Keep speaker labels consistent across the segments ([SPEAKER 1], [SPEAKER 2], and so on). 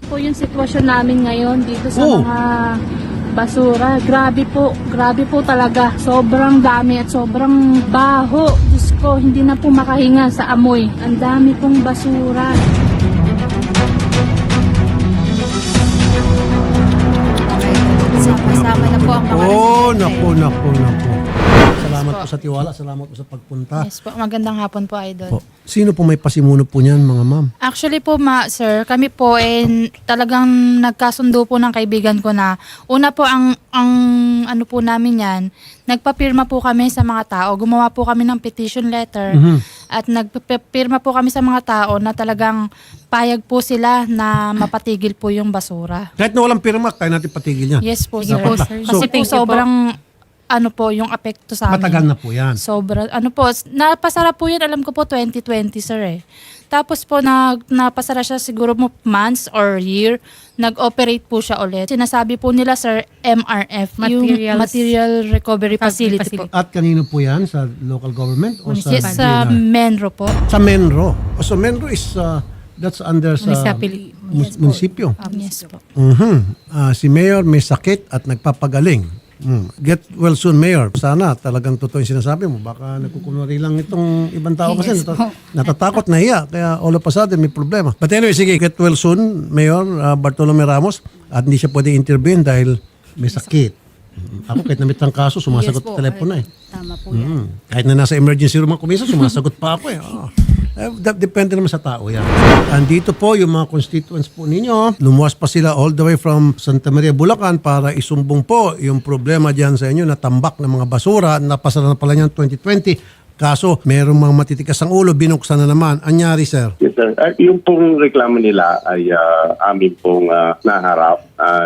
[SPEAKER 1] Po yung sitwasyon namin ngayon dito sa mga basura. Grabe po talaga. Sobrang dami at sobrang baho. Diyos ko, hindi na po makahinga sa amoy. Ang dami pong basura.
[SPEAKER 2] Sama-sama na po ang mga residente.
[SPEAKER 3] Naku. Salamat po sa tiwala, salamat po sa pagpunta.
[SPEAKER 2] Yes po, magandang hapon po, Idol.
[SPEAKER 3] Sino po may pasimuno po niyan, mga ma'am?
[SPEAKER 2] Actually po, sir, kami po talagang nagkasundo po ng kaibigan ko na una po ang ano po namin yan, nagpapirma po kami sa mga tao. Gumawa po kami ng petition letter at nagpapirma po kami sa mga tao na talagang payag po sila na mapatigil po yung basura.
[SPEAKER 3] Kahit na walang pirma, kaya natin patigil niya.
[SPEAKER 2] Yes po,
[SPEAKER 1] Sige
[SPEAKER 2] sir.
[SPEAKER 1] po, sir.
[SPEAKER 2] Kasi po
[SPEAKER 1] Thank you po.
[SPEAKER 2] sobrang po yung apekto sa amin.
[SPEAKER 3] Matagal na po yan.
[SPEAKER 2] Sobra, napasara po yan, alam ko po 2020, sir eh. Tapos po, napasara siya siguro mo months or year, nag-operate po siya ulit. Sinasabi po nila, sir, MRF, yung Material Recovery Facility po.
[SPEAKER 3] At kanino po yan? Sa local government? O sa
[SPEAKER 2] Yes, sa
[SPEAKER 3] DNR?
[SPEAKER 2] Menro po.
[SPEAKER 3] Sa Menro. So Menro is, that's under sa munisipyo.
[SPEAKER 2] Yes po.
[SPEAKER 3] Si Mayor may sakit at nagpapagaling. Get well soon, Mayor. Sana talagang totoo yung sinasabi mo. Baka nagkukunwari lang itong ibang tao kasi
[SPEAKER 2] Yes,
[SPEAKER 3] natatakot, nahiya. Kaya all of a sudden may problema. But anyway, sige, get well soon, Mayor Bartolome Ramos. At hindi siya pwede intervene dahil may sakit. Ako kahit namit ang kaso, sumasagot sa telepono eh.
[SPEAKER 1] Tama po yan.
[SPEAKER 3] Kahit na nasa emergency room ang kumisa, sumasagot pa ako eh. Depende naman sa tao yan. Andito po yung mga constituents po ninyo. Lumuwas pa sila all the way from Santa Maria, Bulacan para isumbong po yung problema dyan sa inyo na tambak ng mga basura. Napasara na pala niyan 2020. Kaso, merong mga matitikas ang ulo, binuksan na naman. Anyari, sir?
[SPEAKER 4] Yes, sir. Yung pong reklamo nila ay amin pong naharap,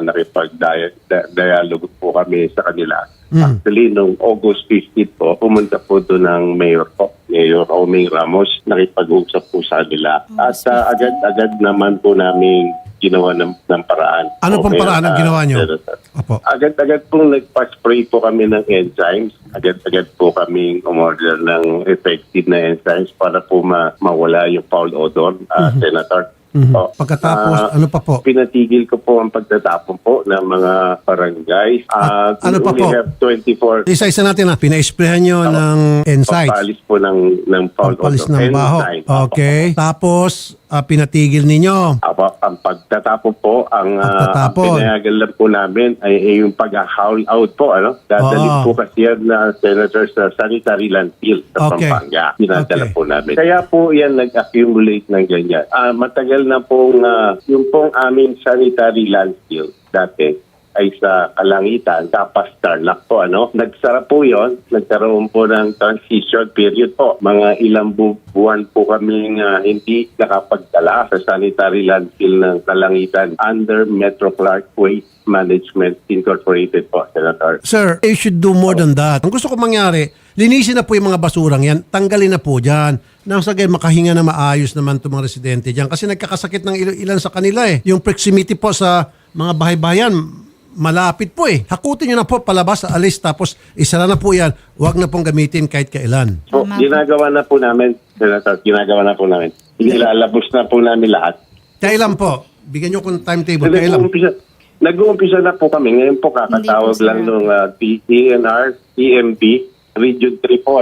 [SPEAKER 4] nakipag-dialogue po kami sa kanila. Actually, noong August 15 po, pumunta po doon ng Mayor Oming Ramos, nakipag-usap po sa kanila. At agad-agad naman po namin ginawa ng paraan.
[SPEAKER 3] Ano pong paraan ang ginawa nyo? Apo.
[SPEAKER 4] Agad-agad pong nagpa-spray po kami ng enzymes. Agad-agad po kami umorder ng effective na enzymes para po mawala yung foul odor, Senator.
[SPEAKER 3] Pagkatapos, ano pa po?
[SPEAKER 4] Pinatigil ko po ang pagtatapon po ng mga barangay.
[SPEAKER 3] Ano pa po?
[SPEAKER 4] We have 24
[SPEAKER 3] Isa-isa natin na, pina-sprayan nyo ng insights.
[SPEAKER 4] pampalis po ng foul
[SPEAKER 3] Pampalis
[SPEAKER 4] odor.
[SPEAKER 3] ng baho.
[SPEAKER 4] Enzyme.
[SPEAKER 3] Okay. Tapos, pinatigil ninyo.
[SPEAKER 4] Ang pagtatapon po, ang
[SPEAKER 3] Pagtatapon.
[SPEAKER 4] pinayagan lang po namin ay yung pag-haul out po. Dadalhin po kasi yan na Senator sa sanitary landfill sa
[SPEAKER 3] Okay.
[SPEAKER 4] Pampanga. Pinadala
[SPEAKER 3] Okay.
[SPEAKER 4] po namin. Kaya po yan nag-accumulate ng ganyan. Matagal na pong yung pong aming sanitary landfill dati ay sa Kalangitan, tapos Tarlac po. Nagsara po yon, nagkaroon po ng transition period po. Mga ilang buwan po kami hindi nakapagdala sa sanitary landfill ng Kalangitan under Metro Clark Waste Management Incorporated po, Senator.
[SPEAKER 3] Sir, you should do more than that. Ang gusto ko mangyari, linisin na po yung mga basurang yan, tanggalin na po dyan. Nang sa gayon, makahinga na maayos naman itong mga residente dyan. Kasi nagkakasakit ng ilan sa kanila eh. Yung proximity po sa mga bahay-bayan, malapit po eh. Hakutin nyo na po palabas, alis, tapos isara na po yan. Huwag na pong gamitin kahit kailan.
[SPEAKER 4] So, ginagawa na po namin, Senator, ginagawa na po namin. Ilalabos na po namin lahat.
[SPEAKER 3] Kailan po? Bigyan nyo kung timetable. Kailan?
[SPEAKER 4] Nag-uumpisa na po kami. Ngayon po kakatawag
[SPEAKER 2] Hindi po,
[SPEAKER 4] lang nung DNR, EMP, Region 3 po,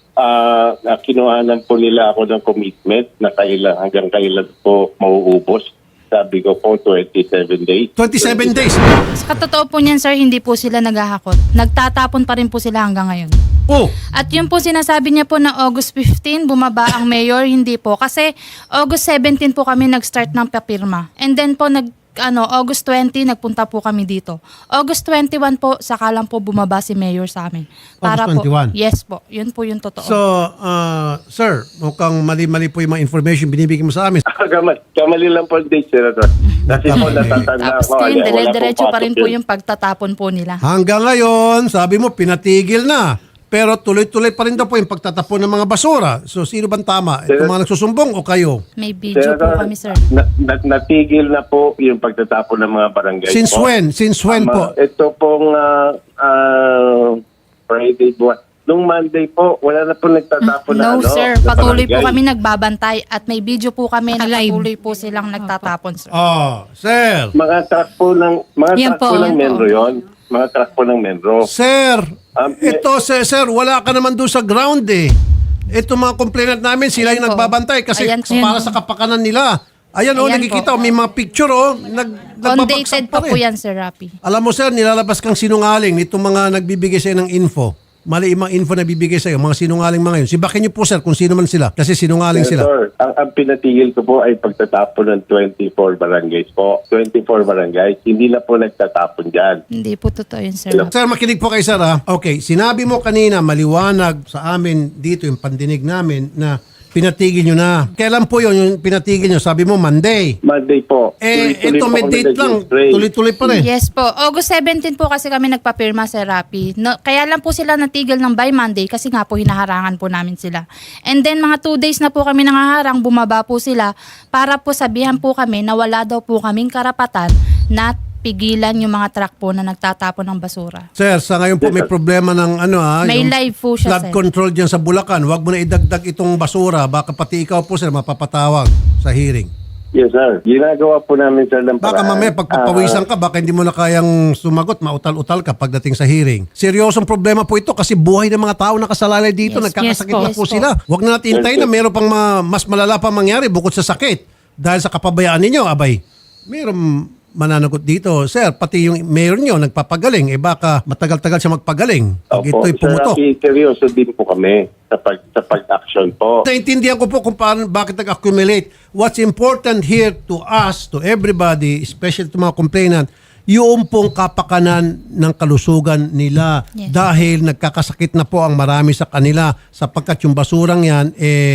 [SPEAKER 4] kinuhanan po nila ako ng commitment na hanggang kailan po mauubos. Sabi ko po, 27 days.
[SPEAKER 3] 27 days.
[SPEAKER 2] Sa katotoo po niyan, sir, hindi po sila naghahakot. Nagtatapon pa rin po sila hanggang ngayon.
[SPEAKER 3] Oh,
[SPEAKER 2] At yun po sinasabi niya po na August 15, bumaba ang mayor, hindi po. Kasi August 17 po kami nag-start ng papirma. And then po August 20, nagpunta po kami dito. August 21 po, saka lang po bumaba si mayor sa amin.
[SPEAKER 3] August 21?
[SPEAKER 2] Yes po, yun po yung totoo.
[SPEAKER 3] so, sir, mukhang mali-mali po yung mga information binibigyan mo sa amin.
[SPEAKER 4] Kamali lang po ang date, Senator. Kasi po natatanda
[SPEAKER 2] Tapos
[SPEAKER 4] ko.
[SPEAKER 2] ngayon,
[SPEAKER 4] wala
[SPEAKER 2] dire-diretso
[SPEAKER 4] pong
[SPEAKER 2] pa rin
[SPEAKER 4] pasok
[SPEAKER 2] po
[SPEAKER 4] yun.
[SPEAKER 2] yung pagtatapon po nila.
[SPEAKER 3] Hanggang ngayon, sabi mo, pinatigil na. Pero tuloy-tuloy pa rin daw po yung pagtatapon ng mga basura. So, sino bang tama? Itong mga nagsusumbong o kayo?
[SPEAKER 2] May video po kami, sir.
[SPEAKER 4] Natigil na po yung pagtatapon ng mga barangay
[SPEAKER 3] Since
[SPEAKER 4] po.
[SPEAKER 3] when? Since when po?
[SPEAKER 4] Ito pong Friday, Nung Monday po, wala na po nagtatapon na
[SPEAKER 2] No,
[SPEAKER 4] ano.
[SPEAKER 2] sir.
[SPEAKER 4] sa
[SPEAKER 2] Patuloy po
[SPEAKER 4] barangay.
[SPEAKER 2] kami nagbabantay at may video po kami na
[SPEAKER 5] Alive.
[SPEAKER 2] patuloy po silang nagtatapon, sir.
[SPEAKER 3] Oh, sir.
[SPEAKER 4] Mga truck po ng
[SPEAKER 5] Yan po, yan
[SPEAKER 4] membro yon. Mga truck po ng membro.
[SPEAKER 3] Sir,
[SPEAKER 4] Eh,
[SPEAKER 3] ito, sir, wala ka naman doon sa ground eh. Ito mga complainant namin, sila yung
[SPEAKER 2] Ayan po.
[SPEAKER 3] nagbabantay kasi
[SPEAKER 2] Ayan po.
[SPEAKER 3] para sa kapakanan nila. Ayan,
[SPEAKER 2] Ayan
[SPEAKER 3] nakikita,
[SPEAKER 2] po.
[SPEAKER 3] may mga picture, nagbabagsak
[SPEAKER 2] Undated
[SPEAKER 3] pa
[SPEAKER 2] pa po
[SPEAKER 3] rin.
[SPEAKER 2] yan, Sir Rapi.
[SPEAKER 3] Alam mo, sir, nilalabas kang sinungaling nitong mga nagbibigay sa'yo ng info. Mali yung mga info na bibigay sa'yo, mga sinungaling mga yun. Sibakin niyo po, sir, kung sino man sila. Kasi sinungaling sila.
[SPEAKER 4] Senator, ang pinatigil ko po ay pagtatapon ng 24 barangays po. 24 barangays. Hindi na po nagtatapon dyan.
[SPEAKER 2] Hindi po totoo yun, Sir Rapi.
[SPEAKER 3] Sir, makinig po kay sir, ha? Okay, sinabi mo kanina, maliwanag sa amin dito, yung pandinig namin, na pinatigil nyo na. Kailan po yun yung pinatigil nyo? Sabi mo, Monday.
[SPEAKER 4] Monday po.
[SPEAKER 3] Eh,
[SPEAKER 4] Tuloy-tuloy
[SPEAKER 3] ito
[SPEAKER 4] po
[SPEAKER 3] may
[SPEAKER 4] kami
[SPEAKER 3] date lang.
[SPEAKER 4] nag-spray.
[SPEAKER 3] Tuloy-tuloy pa rin.
[SPEAKER 2] Yes po. August 17 po kasi kami nagpapirma, Sir Rapi. No, kaya lang po sila natigil ng by Monday kasi nga po hinaharangan po namin sila. And then mga 2 days na po kami nangaharang, bumaba po sila para po sabihan po kami na wala daw po kaming karapatan na pigilan yung mga truck po na nagtatapon ng basura.
[SPEAKER 3] Sir, sa ngayon po may problema ng
[SPEAKER 2] May
[SPEAKER 3] yung
[SPEAKER 2] live po siya,
[SPEAKER 3] flood
[SPEAKER 2] sir.
[SPEAKER 3] control dyan sa Bulacan. Huwag mo na idagdag itong basura. Baka pati ikaw po, sir, mapapatawag sa hearing.
[SPEAKER 4] Yes, sir. Ginagawa po namin, sir, ng
[SPEAKER 3] Baka mamaya pagpapawisan ka, baka hindi mo na kayang sumagot, mautal-utal ka pagdating sa hearing. Seryosong problema po ito kasi buhay ng mga tao nakasalalay dito,
[SPEAKER 2] Yes,
[SPEAKER 3] nagkakasakit
[SPEAKER 5] yes po.
[SPEAKER 3] na po sila. Huwag na natin hintayin na meron pang mas malala pa mangyari bukod sa sakit. Dahil sa kapabayaan ninyo, abay, meron mananagot dito. Sir, pati yung mayor nyo nagpapagaling, baka matagal-tagal siya magpagaling. Pag
[SPEAKER 4] Opo,
[SPEAKER 3] ito'y
[SPEAKER 4] sir,
[SPEAKER 3] pumutok.
[SPEAKER 4] seryoso din po kami sa pag-action po.
[SPEAKER 3] Naintindihan ko po kung paano, bakit nag-accumulate. What's important here to us, to everybody, especially to mga complainant, yung pong kapakanan ng kalusugan nila.
[SPEAKER 2] Yes.
[SPEAKER 3] Dahil nagkakasakit na po ang marami sa kanila sapagkat yung basurang yan,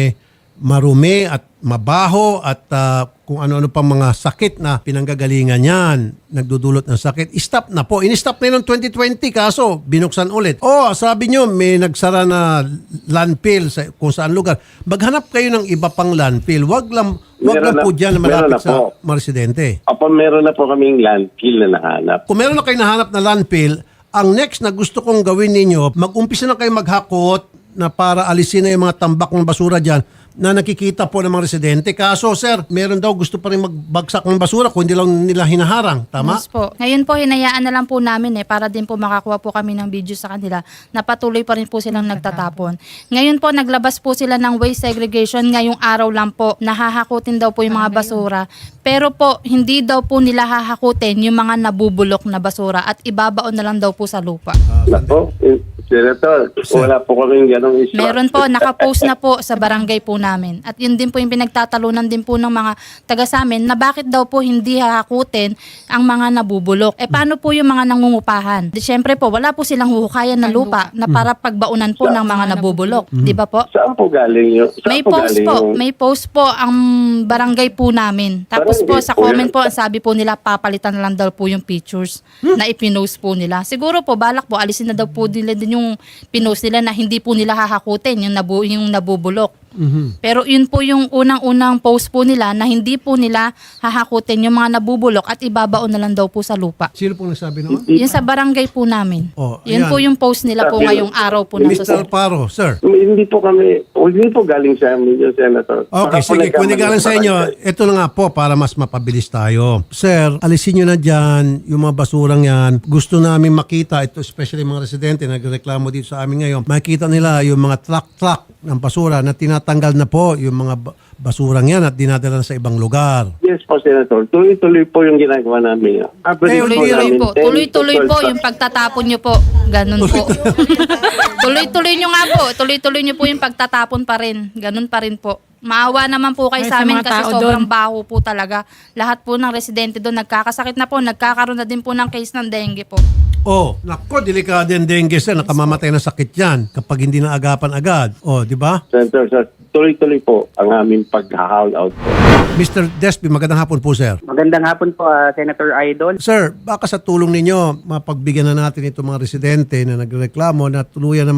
[SPEAKER 3] marumi at mabaho at kung ano-ano pang mga sakit na pinanggagalingan yan, nagdudulot ng sakit. Stop na po. In-stop na yun noong 2020 kaso binuksan ulit. Sabi nyo may nagsara na landfill sa kung saan lugar. Maghanap kayo ng iba pang landfill. Wag lang po dyan na
[SPEAKER 4] meron
[SPEAKER 3] malapit
[SPEAKER 4] na
[SPEAKER 3] sa
[SPEAKER 4] po.
[SPEAKER 3] mga residente.
[SPEAKER 4] Opo, meron na po kaming landfill na nahanap.
[SPEAKER 3] Kung meron na kayo nahanap na landfill, ang next na gusto kong gawin ninyo, mag-umpisa na kayo maghakot na para alisin na yung mga tambak ng basura dyan na nakikita po ng mga residente. Kaso, sir, meron daw gusto pa rin magbagsak ng basura kung hindi lang nila hinaharang. Tama?
[SPEAKER 2] Yes po. Ngayon po, hinayaan na lang po namin para din po makakuha po kami ng video sa kanila na patuloy pa rin po silang nagtatapon. Ngayon po, naglabas po sila ng waste segregation ngayong araw lang po. Nahahakutin daw po yung mga basura. Pero po, hindi daw po nila hahakutin yung mga nabubulok na basura at ibabaon na lang daw po sa lupa.
[SPEAKER 4] Nako, Senator, wala po kaming ganong issue.
[SPEAKER 2] Meron po, nakapost na po sa barangay po namin. At yun din po yung pinagtatalunan din po ng mga taga sa amin na bakit daw po hindi hahakutin ang mga nabubulok. Paano po yung mga nangungupahan? Siyempre po, wala po silang huhukayan na lupa na para pagbaunan po ng mga nabubulok. Di ba po?
[SPEAKER 4] Saan po galing yun?
[SPEAKER 2] May post po, may post po ang barangay po namin. Tapos po
[SPEAKER 4] Barangay
[SPEAKER 2] sa
[SPEAKER 4] po
[SPEAKER 2] comment
[SPEAKER 4] yan.
[SPEAKER 2] po, sabi po nila papalitan na lang daw po yung pictures na ipinost po nila. Siguro po balak po alisin na daw po nila din yung pinost nila na hindi po nila hahakutin yung nabubulok. Pero yun po yung unang-unang post po nila na hindi po nila hahakutin yung mga nabubulok at ibabaon na lang daw po sa lupa.
[SPEAKER 3] Sino pong nagsabi noon?
[SPEAKER 2] Yun sa barangay po namin.
[SPEAKER 3] ayan.
[SPEAKER 2] Yun po yung post nila po ngayong araw po ng
[SPEAKER 3] Mr. Alparo, sir.
[SPEAKER 4] Hindi po galing sa amin yun, Senator.
[SPEAKER 3] Okay,
[SPEAKER 4] Baka po
[SPEAKER 3] sige. Kung hindi
[SPEAKER 4] nagkamali
[SPEAKER 3] galing sa
[SPEAKER 4] sa
[SPEAKER 3] inyo,
[SPEAKER 4] barangay.
[SPEAKER 3] ito na nga po para mas mapabilis tayo. Sir, alisin nyo na dyan yung mga basurang yan. Gusto namin makita, ito especially mga residente na nagreklamo dito sa amin ngayon, makikita nila yung mga truck ng basura na tinatanggal na po yung mga basurang yan at dinadala sa ibang lugar.
[SPEAKER 4] Yes po, Senator. Tuloy-tuloy po yung ginagawa namin.
[SPEAKER 2] Tuloy-tuloy po. Tuloy-tuloy po yung pagtatapon nyo po. Ganun po. Tuloy-tuloy nyo nga po. Tuloy-tuloy nyo po yung pagtatapon pa rin. Ganun pa rin po. Maawa naman po kayo
[SPEAKER 5] Ay,
[SPEAKER 2] sa
[SPEAKER 5] sa
[SPEAKER 2] amin
[SPEAKER 5] mga
[SPEAKER 2] kasi
[SPEAKER 5] tao
[SPEAKER 2] sobrang
[SPEAKER 5] doon.
[SPEAKER 2] baho po talaga. Lahat po ng residente doon nagkakasakit na po. Nagkakaroon na din po ng case ng dengue po.
[SPEAKER 3] Nako, delikado yung dengue, sir. Nakamamatay na sakit yan kapag hindi na agapan agad. Di ba?
[SPEAKER 4] Senator, sir, tuloy-tuloy po ang aming pag-haul out po.
[SPEAKER 3] Mr. Despi, magandang hapon po, sir.
[SPEAKER 6] Magandang hapon po, Senator Idol.
[SPEAKER 3] Sir, baka sa tulong ninyo, mapagbigyan na natin itong mga residente na nagreklamo na tuluyan na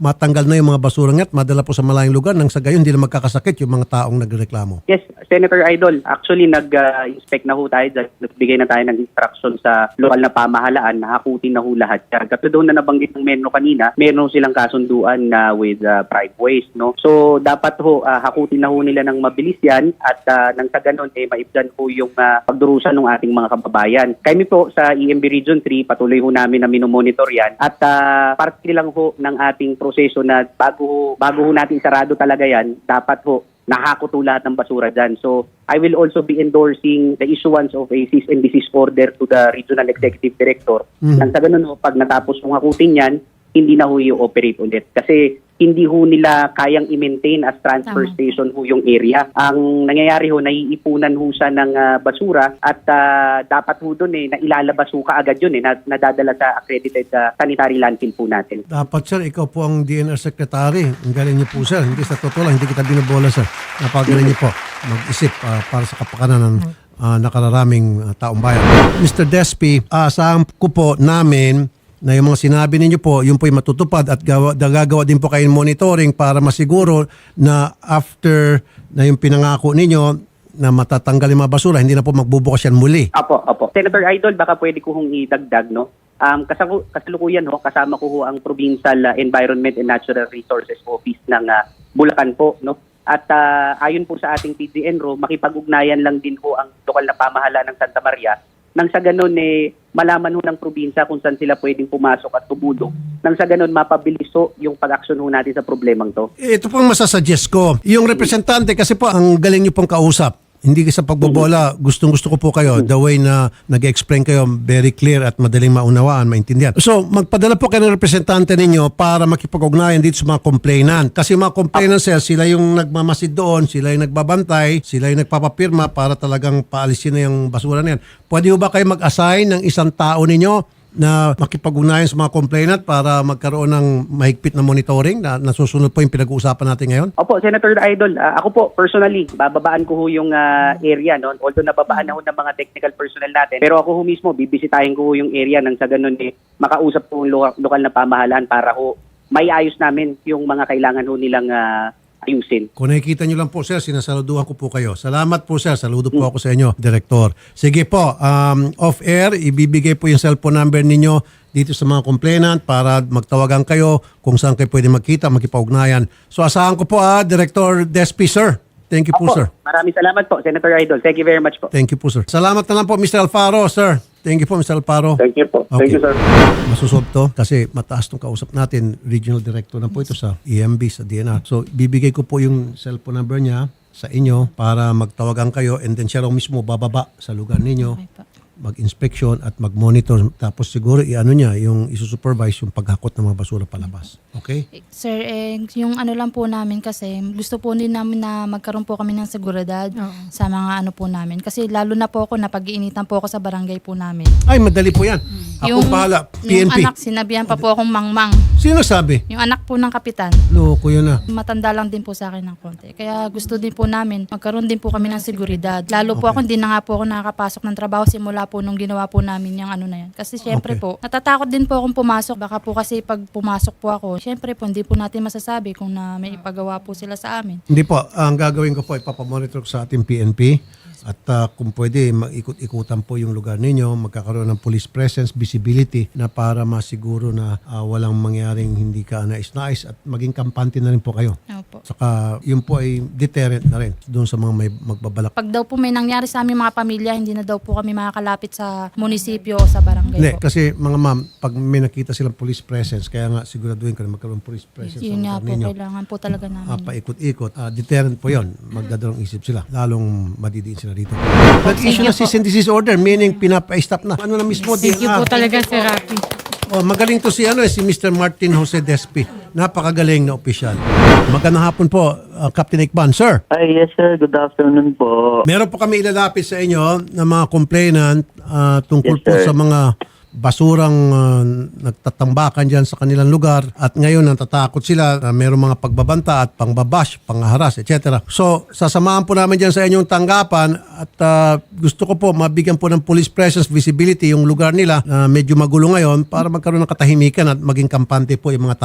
[SPEAKER 3] matanggal na yung mga basurang at madala po sa malayong lugar nang sa gayon hindi na magkakasakit yung mga taong nagreklamo.
[SPEAKER 6] Yes, Senator Idol. Actually, nag-inspect na ho tayo. Nagbigay na tayo ng instruction sa lokal na pamahalaan na hakutin na ho lahat. Katulad doon na nabanggit ng Menno kanina, meron silang kasunduan na with private waste. No? So, dapat ho, hakutin na ho nila ng mabilis yan at nang sa ganun, maibsan ho yung pagdurusan ng ating mga kababayan. Kami po sa EMB Region 3, patuloy ho namin na minomonitor yan at parte lang ho ng ating proseso na bago ho natin sarado talaga yan, dapat ho nahakot ho lahat ng basura dyan. So, I will also be endorsing the issuance of a cease and desist order to the Regional Executive Director. Nang sa ganun ho, pag natapos mong hakutin yan, hindi na ho i-operate ulit. Kasi hindi ho nila kayang i-maintain as transfer station ho yung area. Ang nangyayari ho, naiipunan ho siya ng basura at dapat ho doon na ilalabas ho kaagad yun nadadala sa accredited sanitary landfill po natin.
[SPEAKER 3] Dapat sir, ikaw po ang DNR Secretary. Ang galing niyo po sir. Hindi sa totoo lang, hindi kita binobola sir. Napagaling niyo po mag-isip para sa kapakanan ng nakararaming taong bayan. Mr. Despi, asahan ko po namin na yung mga sinabi ninyo po, yun po yung matutupad at gagawa din po kayo monitoring para masiguro na after na yung pinangako ninyo na matatanggal yung mga basura, hindi na po magbubukas yan muli.
[SPEAKER 6] Apo. Senator Idol, baka pwede ko hong idagdag, no? Kasalukuyan ho, kasama ko ho ang Provincial Environment and Natural Resources Office ng Bulacan po, no? At ayon po sa ating PDNRO, makipag-ugnayan lang din ho ang lokal na pamahalaan ng Santa Maria nang sa ganun malaman ho ng probinsya kung saan sila pwedeng pumasok at tumulong. Nang sa ganun mapabilis ho yung pag-aksyon ho natin sa problemang to.
[SPEAKER 3] Ito pong masasuggest ko. Yung representante kasi po ang galing niyo pong kausap. Hindi sa pagbobola, gustong-gusto ko po kayo the way na nag-explain kayo very clear at madaling maunawaan, maintindihan. So, magpadala po kayo ng representante ninyo para makipag-ugnayan dito sa mga complainant. Kasi mga complainant sila yung nagmamasid doon, sila yung nagbabantay, sila yung nagpapapirma para talagang paalisin na yung basura na yan. Pwede ba kayo mag-assign ng isang tao ninyo na makipag-ugnayan sa mga complainant para magkaroon ng mahigpit na monitoring na nasusunod po yung pinag-uusapan natin ngayon?
[SPEAKER 6] Opo, Senator Idol. Ako po, personally, bababaan ko ho yung area. No? Although nababaan na ho ng mga technical personnel natin. Pero ako ho mismo, bibisitahin ko ho yung area nang sa ganun makausap po yung lokal na pamahalaan para ho may ayos namin yung mga kailangan ho nilang ayusin.
[SPEAKER 3] Kung nakikita nyo lang po sir, sinasaluduhan ko po kayo. Salamat po sir, saludo po ako sa inyo, Director. Sige po, off-air, ibibigay po yung cellphone number ninyo dito sa mga complainant para magtawagan kayo kung saan kayo pwede magkita, magkipaugnayan. So asahan ko po Director Despi sir. Thank you po sir.
[SPEAKER 6] Maraming salamat po, Senator Idol. Thank you very much po.
[SPEAKER 3] Thank you po sir. Salamat na lang po Mr. Alfaro sir. Thank you po Mr. Alfaro.
[SPEAKER 4] Thank you po.
[SPEAKER 3] Okay.
[SPEAKER 4] Thank you, sir.
[SPEAKER 3] Masusolve to kasi mataas tong kausap natin. Regional Director na po ito sa EMB, sa DNR. So, bibigay ko po yung cellphone number niya sa inyo para magtawagan kayo and then siya lang mismo bababa sa lugar ninyo, mag-inspection at mag-monitor. Tapos siguro i-ano niya, yung isusupervise yung paghakot ng mga basura palabas. Okay?
[SPEAKER 2] Sir, yung ano lang po namin kasi gusto po din namin na magkaroon po kami ng seguridad sa mga ano po namin. Kasi lalo na po ako, napag-iinitan po ako sa barangay po namin.
[SPEAKER 3] Ay, madali po yan. Ako bahala.
[SPEAKER 2] Yung
[SPEAKER 3] PNP.
[SPEAKER 2] anak, sinabihan pa po akong mangmang.
[SPEAKER 3] Sino sabi?
[SPEAKER 2] Yung anak po ng kapitan.
[SPEAKER 3] Loko yun na.
[SPEAKER 2] Matanda lang din po sa akin ng konti. Kaya gusto din po namin, magkaroon din po kami ng seguridad. Lalo po ako, hindi na nga po ako nakakapasok ng trabaho simula po nung ginawa po namin yung ano na yan. Kasi syempre po, natatakot din po akong pumasok. Baka po kasi pag pumasok po ako, syempre po, hindi po natin masasabi kung na may ipagawa po sila sa amin.
[SPEAKER 3] Hindi po. Ang gagawin ko po, ipapamonitor ko sa ating PNP. At kung pwede, mag-ikot-ikutan po yung lugar ninyo, magkakaroon ng police presence, visibility na para masiguro na walang mangyaring hindi ka nais-nais at maging kampante na rin po kayo.
[SPEAKER 2] Opo.
[SPEAKER 3] Saka yun po ay deterrent na rin doon sa mga may magbabalak.
[SPEAKER 2] Pag daw po may nangyari sa aming mga pamilya, hindi na daw po kami makakalapit sa munisipyo o sa barangay
[SPEAKER 3] Hindi,
[SPEAKER 2] po.
[SPEAKER 3] kasi mga ma'am, pag may nakita silang police presence, kaya nga siguraduhin ka na magkaroon ng police presence
[SPEAKER 2] Yun nga
[SPEAKER 3] sa lugar
[SPEAKER 2] po,
[SPEAKER 3] ninyo.
[SPEAKER 2] kailangan po talaga namin.
[SPEAKER 3] Paikot-ikot. Deterrent po yun. Magdadalong isip sila. Lalong madidiin sila dito. Nag-issue na cease and desist order, meaning pinapa-stop na. Ano na mismo?
[SPEAKER 5] Thank you po talaga, Sir Rafi.
[SPEAKER 3] Magaling to si Mr. Martin Jose Despi. Napakagaling na opisyal. Magandang hapon po, Captain Ikban. Sir,
[SPEAKER 7] Ay, yes sir. Good afternoon po.
[SPEAKER 3] meron po kami ilalapit sa inyo ng mga complainant tungkol
[SPEAKER 7] Yes,
[SPEAKER 3] po
[SPEAKER 7] sir.
[SPEAKER 3] sa mga basurang nagtatambakan dyan sa kanilang lugar at ngayon natatakot sila na mayroong mga pagbabanta at pangbabash, pangharas, etc. So, sasamahan po namin dyan sa inyong tanggapan at gusto ko po mabigyan po ng police presence, visibility yung lugar nila na medyo magulo ngayon para magkaroon ng katahimikan at maging kampante po yung mga tao.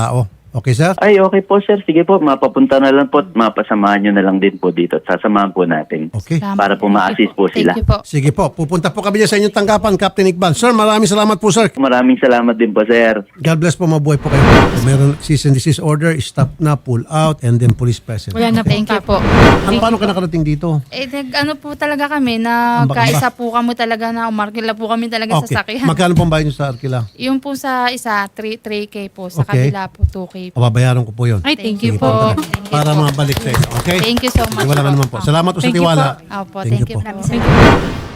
[SPEAKER 3] Okay, sir?
[SPEAKER 7] Ay, okay po sir. Sige po, mapapunta na lang po at mapasamahan nyo na lang din po dito at sasamahan po natin.
[SPEAKER 3] Okay.
[SPEAKER 2] Salamat.
[SPEAKER 7] Para po ma-assist po sila.
[SPEAKER 2] Thank you po.
[SPEAKER 3] Sige po, pupunta po kami dyan sa inyong tanggapan, Captain Iqbal. Sir, maraming salamat po, sir.
[SPEAKER 7] Maraming salamat din po sir.
[SPEAKER 3] God bless po, mabuhay po kayo. Kung meron cease and desist order, stop na, pull out, and then police presence.
[SPEAKER 1] Wala na po.
[SPEAKER 2] Thank you po.
[SPEAKER 3] Paano ka nakarating dito?
[SPEAKER 2] Ano po talaga kami, nagkaisa po kami talaga na umarkila po kami talaga
[SPEAKER 3] Okay.
[SPEAKER 2] sa sakyan.
[SPEAKER 3] Magkano pong bayad nyo sa Arkila?
[SPEAKER 2] Yung po sa isa, 3K po. Sa
[SPEAKER 3] Okay.
[SPEAKER 2] kabila po, 2K po.
[SPEAKER 3] Babayaran ko po yun.
[SPEAKER 1] Ay, thank
[SPEAKER 3] Sige
[SPEAKER 1] you po.
[SPEAKER 3] Thank you. Para mabalik sa inyo. Okay?
[SPEAKER 2] Thank you so much.
[SPEAKER 3] Wala ka naman po. Salamat po sa
[SPEAKER 1] Thank you
[SPEAKER 3] tiwala.
[SPEAKER 2] Opo, thank you po.
[SPEAKER 1] Thank you.